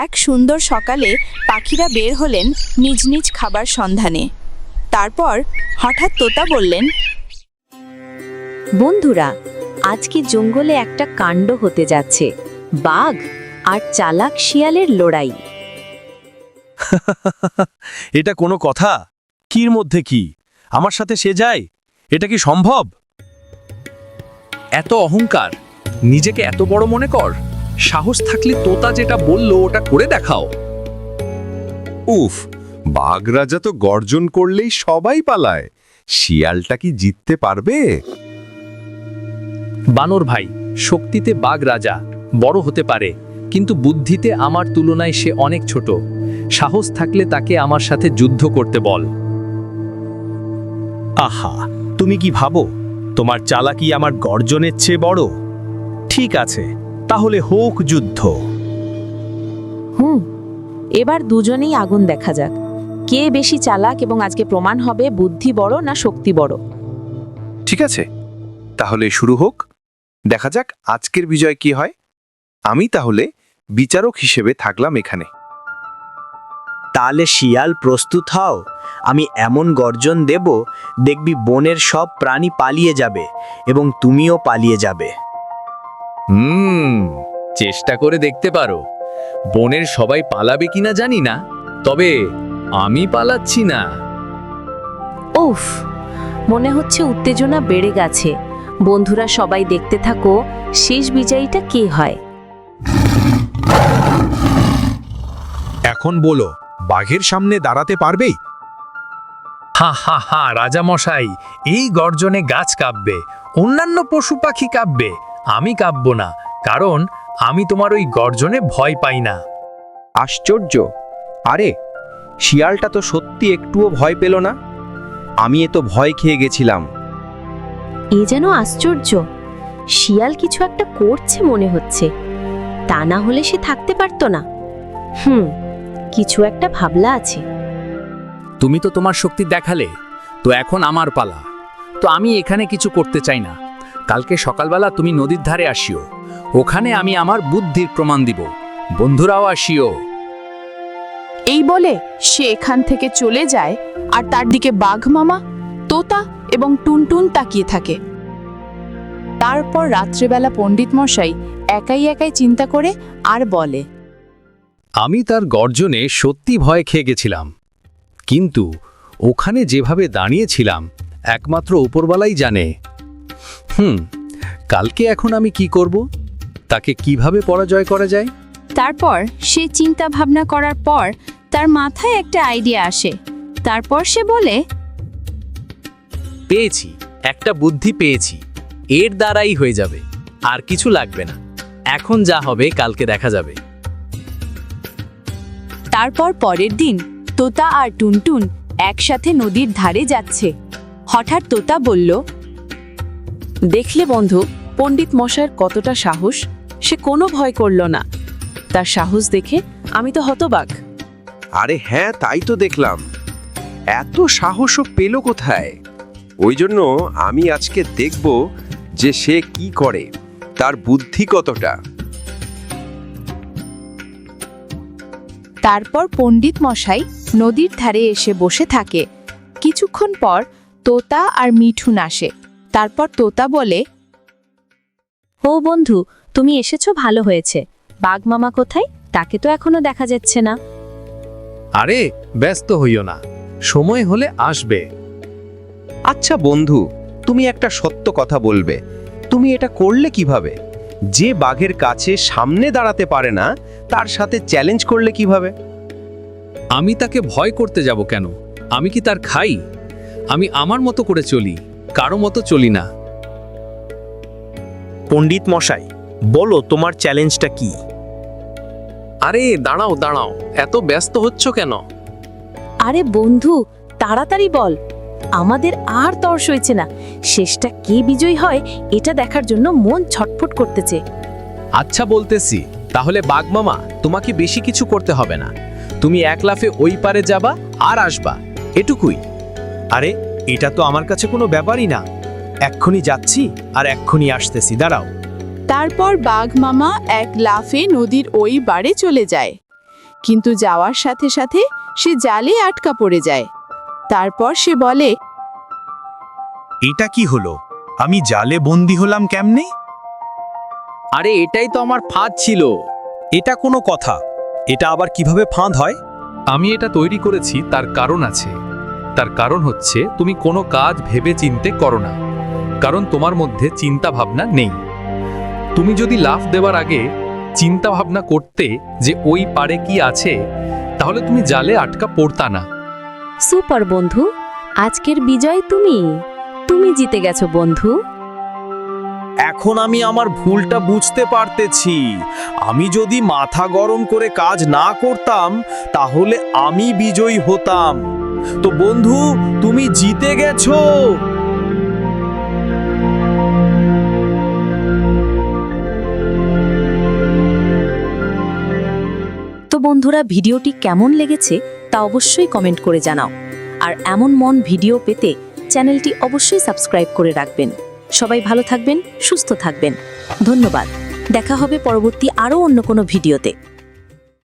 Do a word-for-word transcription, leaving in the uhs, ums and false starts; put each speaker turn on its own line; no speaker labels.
এক সুন্দর সকালে পাখিরা বের হলেন নিজ নিজ খাবার সন্ধানে। তারপর হঠাৎ তোতা বললেন,
বন্ধুরা, আজকে জঙ্গলে একটা কাণ্ড হতে যাচ্ছে, বাঘ আর চালাক শিয়ালের লড়াই।
এটা কোনো কথা? কির মধ্যে কি? আমার সাথে সে যায়? এটা কি সম্ভব?
এত অহংকার, নিজেকে এত বড় মনে কর। সাহস থাকলে তোতা যেটা বললো ওটা করে দেখাও।
উফ, বাঘ রাজা তো গর্জন করলেই সবাই পালায়, শিয়ালটা কি জিততে পারবে?
বানর ভাই, শক্তিতে বাঘ রাজা বড় হতে পারে, কিন্তু বুদ্ধিতে আমার তুলনায় সে অনেক ছোট। সাহস থাকলে তাকে আমার সাথে যুদ্ধ করতে বল।
আহা, তুমি কি ভাবো তোমার চালাকি আমার গর্জনের চেয়ে বড়? ঠিক আছে, তাহলে হোক যুদ্ধ।
হুম, এবার দুজনেই আগুন দেখা যাক, কে বেশি চালাক, এবং আজকে প্রমাণ হবে বুদ্ধি বড় না শক্তি বড়।
ঠিক আছে, তাহলে শুরু হোক। দেখা যাক আজকের বিজয় কি হয়। আমি তাহলে বিচারক হিসেবে থাকলাম এখানে।
তাহলে শিয়াল প্রস্তুত হও, আমি এমন গর্জন দেব দেখবি বনের সব প্রাণী পালিয়ে যাবে এবং তুমিও পালিয়ে যাবে।
হুম, চেষ্টা করে দেখতে পারো। বনের সবাই পালাবে কিনা জানি না, তবে আমি পালাচ্ছি না।
উফ, মনে হচ্ছে উত্তেজনা বেড়ে গেছে। বন্ধুরা সবাই দেখতে থাকো, শেষ বিজয়ীটা কে হয়।
এখন বলো, বাঘের সামনে দাঁড়াতে পারবেই?
হা হা হা, রাজা মশাই, এই গর্জনে গাছ কাঁপবে, অন্যান্য পশু পাখি কাঁপবে, আমি কাঁপব না, কারণ আমি তোমার ওই গর্জনে ভয় পাই না।
আশ্চর্য! আরে, শিয়ালটা তো সত্যি একটুও ভয় পেল না। আমি এ তো ভয় খেয়ে গেছিলাম।
এ যেন আশ্চর্য, শিয়াল কিছু একটা করছে মনে হচ্ছে, তা না হলে সে থাকতে পারতো না। হুম, কিছু একটা ভাবলা আছে।
তুমি তো তোমার শক্তি দেখালে, তো এখন আমার পালা। তো আমি এখানে কিছু করতে চাই না। কালকে সকালবেলা তুমি নদীর ধারে আসিও, ওখানে আমি আমার বুদ্ধির প্রমাণ দিব। বন্ধুরাও আসিও।
এই বলে সে এখান থেকে চলে যায়, আর তার দিকে বাঘ মামা, তোতা এবং টুনটুন তাকিয়ে থাকে। তারপর রাত্রেবেলা পণ্ডিত মশাই একাই একাই চিন্তা করে আর বলে,
আমি তার গর্জনে সত্যি ভয় খেয়ে গেছিলাম, কিন্তু ওখানে যেভাবে দাঁড়িয়েছিলাম একমাত্র উপরওয়ালাই জানে। হুম, কালকে এখন আমি কি করব? তাকে কিভাবে পরাজয় করা যায়?
তারপর সে চিন্তা ভাবনা করার পর তার মাথায় একটা আইডিয়া আসে। তারপর সে বলে,
পেয়েছি, একটা বুদ্ধি পেয়েছি, এর দ্বারাই হয়ে যাবে, আর কিছু লাগবে না। এখন যা হবে কালকে দেখা যাবে।
তারপর পরের দিন তোতা আর টুনটুন একসাথে নদীর ধারে যাচ্ছে। হঠাৎ তোতা বলল,
দেখলে বন্ধু, পণ্ডিত মশাইয়ের কতটা সাহস, সে কোনো ভয় করল না। তার সাহস দেখে আমি তো হতবাক।
আরে হ্যাঁ, তাই তো দেখলাম। এত সাহসও পেল কোথায়? ওই জন্য আমি আজকে দেখব যে সে কি করে, তার বুদ্ধি কতটা।
তারপর পণ্ডিত মশাই নদীর ধারে এসে বসে থাকে। কিছুক্ষণ পর তোতা আর মিঠুন আসে। তারপর তোতা বলে,
ও বন্ধু, তুমি এসেছো, ভালো হয়েছে। বাঘ মামা কোথায়? তাকে তো এখনো দেখা যাচ্ছে না।
আরে ব্যস্ত হইও না, সময় হলে আসবে।
আচ্ছা বন্ধু, তুমি একটা সত্য কথা বলবে, তুমি এটা করলে কিভাবে? যে বাঘের কাছে সামনে দাঁড়াতে পারে না, তার সাথে চ্যালেঞ্জ করলে কিভাবে?
আমি তাকে ভয় করতে যাব কেন? আমি কি তার খাই? আমি আমার মতো করে চলি, কারো মতো চলি না।
পণ্ডিত মশাই, বলো তোমার চ্যালেঞ্জটা কি?
আরে দাঁড়াও দাঁড়াও, এত ব্যস্ত হচ্ছ কেন?
আরে বন্ধু, তাড়াতাড়ি বল, আমাদের আর তর্স হয়েছে না। শেষটা কে বিজয়ী হয় এটা দেখার জন্য মন ছটফট করতেছে।
আচ্ছা বলতেছি, তাহলে বাঘ মামা, তোমাকে বেশি কিছু করতে হবে না। তুমি এক লাফে ওই পারে যাবা আর আসবা, এটুকুই।
আরে এটা তো আমার কাছে কোনো ব্যাপারই না। এক্ষুনি যাচ্ছি আর এক্ষুনি আসতেছি, দাঁড়াও।
তারপর বাঘ মামা এক লাফে নদীর ওই পারে চলে যায়। কিন্তু যাওয়ার সাথে সাথে সে জালে আটকা পড়ে যায়। তারপর সে বলে,
এটা কি হলো? আমি জালে বন্দি হলাম কেমনে?
আরে এটাই তো আমার ফাঁদ ছিল।
এটা কোনো কথা? এটা আবার কিভাবে ফাঁদ হয়?
আমি এটা তৈরি করেছি, তার কারণ আছে। তার কারণ হচ্ছে তুমি কোনো কাজ ভেবে চিনতে করো না, কারণ তোমার মধ্যে চিন্তা ভাবনা নেই। তুমি যদি লাফ দেওয়ার আগে চিন্তা ভাবনা করতে যে ওই পারে কি আছে, তাহলে তুমি জালে আটকা পড়তা না।
সুপার বন্ধু, আজকের বিজয় তুমি তুমি জিতে গেছো বন্ধু।
এখন আমি আমার ভুলটা বুঝতে পারতেছি। আমি যদি মাথা গরম করে কাজ না করতাম তাহলে আমি বিজয়ী হতাম। তো বন্ধু, তুমি জিতে গেছো।
তো বন্ধুরা, ভিডিওটি কেমন লেগেছে তা অবশ্যই কমেন্ট করে জানাও। আর এমন মন ভিডিও পেতে চ্যানেলটি অবশ্যই সাবস্ক্রাইব করে রাখবেন। সবাই ভালো থাকবেন, সুস্থ থাকবেন। ধন্যবাদ। দেখা হবে পরবর্তী আরও অন্য কোনো ভিডিওতে।